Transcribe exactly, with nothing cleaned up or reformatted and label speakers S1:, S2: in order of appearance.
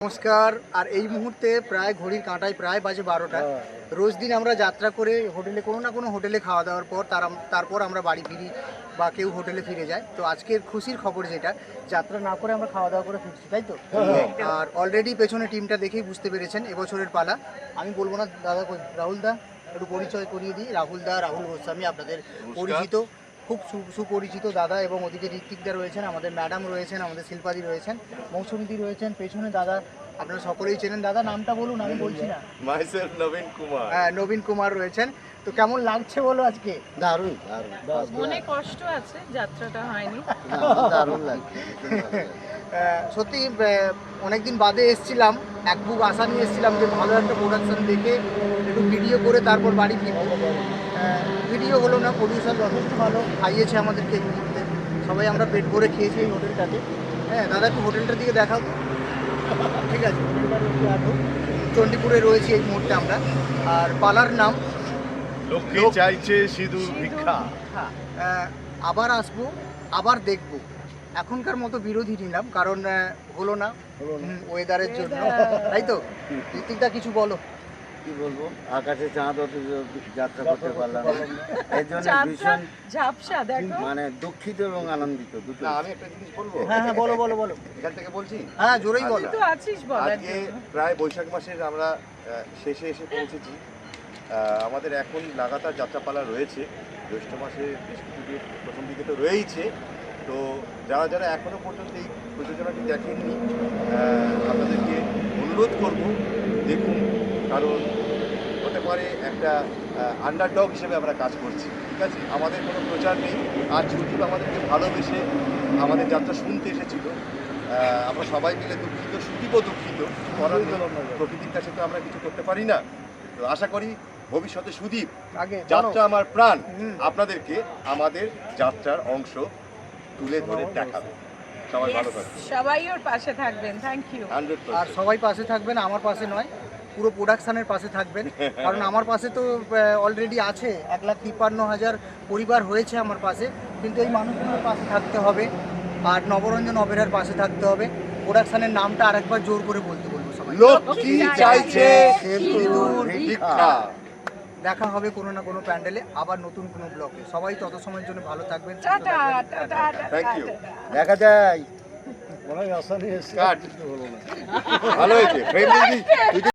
S1: নমস্কার। আর এই মুহূর্তে প্রায় ঘড়ির কাঁটায় প্রায় বাজে বারোটা। রোজ দিন আমরা যাত্রা করে হোটেলে কোনো না কোনো হোটেলে খাওয়া দাওয়ার পর তার তারপর আমরা বাড়ি ফিরি বা কেউ হোটেলে ফিরে যায়। তো আজকের খুশির খবর যেটা, যাত্রা না করে আমরা খাওয়া দাওয়া করে ফিরছি, তাই তো? আর অলরেডি পেছনে টিমটা দেখেই বুঝতে পেরেছেন এবছরের পালা। আমি বলবো না দাদা, রাহুল দা একটু পরিচয় করিয়ে দিই। রাহুল দা, রাহুল গোস্বামী আপনাদের পরিচিত, খুব সুপরিচিত দাদা। এবং ওদিকে ঋত্বিকদা রয়েছেন, আমাদের ম্যাডাম রয়েছেন, আমাদের শিল্পাদি রয়েছেন, মৌসুমীদি রয়েছেন, পেছনে দাদা আপনারা সকলেই চেনেন। দাদা নামটা বলুন, আমি বলছি না।
S2: মাইসেলফ নবীন কুমার।
S1: হ্যাঁ, নবীন কুমার রয়েছেন। তো কেমন লাগছে বলো আজকে?
S3: দারুণ দারুণ
S4: মনে কষ্ট আছে, যাত্রাটা হয়নি।
S3: দারুণ লাগছে।
S1: সত্যি অনেকদিন বাদে এসছিলাম, এক বুক আশা নিয়ে এসছিলাম যে ভালো একটা প্রোডাকশন দেখে একটু ভিডিও করে তারপর বাড়ি ফিরবো। ভিডিও হলো না, প্রডিউসার যথেষ্ট ভালো খাইয়েছে আমাদেরকে এই মুহূর্তে। সবাই আমরা পেট ভরে খেয়েছি এই হোটেলটাতে। হ্যাঁ দাদা, একটু হোটেলটার দিকে দেখাও তো। ঠিক আছে, হোটেলটার একটু আটো। চণ্ডীপুরে রয়েছি এই মুহূর্তে আমরা। আর পালার নাম
S2: লক্ষ্মী চাইছে সিঁদুর ভিক্ষা।
S1: হ্যাঁ, আবার আসবো, আবার দেখবো। এখনকার মতো বিরোধী নিলাম, কারণ হলো না ওয়েদারের জন্য, তাই তো? ঋত্বিকদা কিছু বলো।
S3: কি বলবো, আকাশে চাঁদ অত যাত্রা করতে পারলাম না, এই জন্য ভীষণ
S4: ঝাপসা দেখো।
S3: মানে দুঃখিত এবং আনন্দিত দুটো।
S2: না, আমি একটা জিনিস বলবো।
S1: হ্যাঁ হ্যাঁ বলো বলো বলো।
S2: এখান থেকে বলছি।
S1: হ্যাঁ জোরেই বলো।
S4: তুই তো আছিস বলার
S2: আজকে
S4: জন্য।
S2: প্রায় বৈশাখ মাসের আমরা আহ, শেষে এসে পৌঁছেছি। আহ, আমাদের এখন লাগাতার যাত্রাপালা রয়েছে। জ্যৈষ্ঠ মাসে বেশ কিছু দিন প্রথম দিকে তো রয়েইছে। তো যারা যারা এখনো পর্যন্ত এই প্রযোজনাটি দেখেননি, আহ, আপনাদেরকে অনুরোধ করব দেখুন। কারণ হতে পারে একটা আন্ডারডগ হিসেবে আমরা কাজ করছি, ঠিক আছে? আমাদের কোনো প্রচার নেই। আর সুদীপ আমাদেরকে ভালোবেসে আমাদের যাত্রা শুনতে এসেছিল। আহ, আমরা সবাই মিলে দুঃখিত, সুদীপও দুঃখিত। করার নেই, প্রকৃতির কাছে তো আমরা কিছু করতে পারি না। তো আশা করি ভবিষ্যতে সুদীপ,
S1: আগে
S2: যাত্রা আমার প্রাণ,
S1: হুম।
S2: আপনাদেরকে আমাদের যাত্রার অংশ তুলে ধরে দেখাবে। সবাই ভালো
S4: Yes,
S2: থাকবে।
S4: সবাই ওর পাশে থাকবেন। Thank you.
S2: হান্ড্রেড
S1: আর
S2: পার্সেন্ট।
S1: সবাই পাশে থাকবেন, আমার পাশে নয়, পুরো প্রোডাকশানের পাশে থাকবেন। কারণ আমার পাশে তো অলরেডি আছে এক লাখ তিপ্পান্ন হাজার পরিবার হয়েছে আমার পাশে, কিন্তু এই মানুষগুলোর পাশে থাকতে হবে। আর নবরঞ্জন অপেরার পাশে থাকতে হবে। প্রোডাকশানের নামটা আরেকবার জোর করে বলতে বলবো সবাই।
S2: লক্ষ্মী চাইছে সিঁদুর ভিক্ষা।
S1: দেখা হবে কোনো না কোনো প্যান্ডেলে, আবার নতুন কোনো ব্লগে। সবাই তত সময়ের জন্য ভালো থাকবেন, সুস্থ
S4: টাটা
S1: থাকবেন।
S4: Tata
S2: Thank you.
S3: দেখা যায়
S2: কাট। ভালো হয়েছে। ফ্রেন্ডলি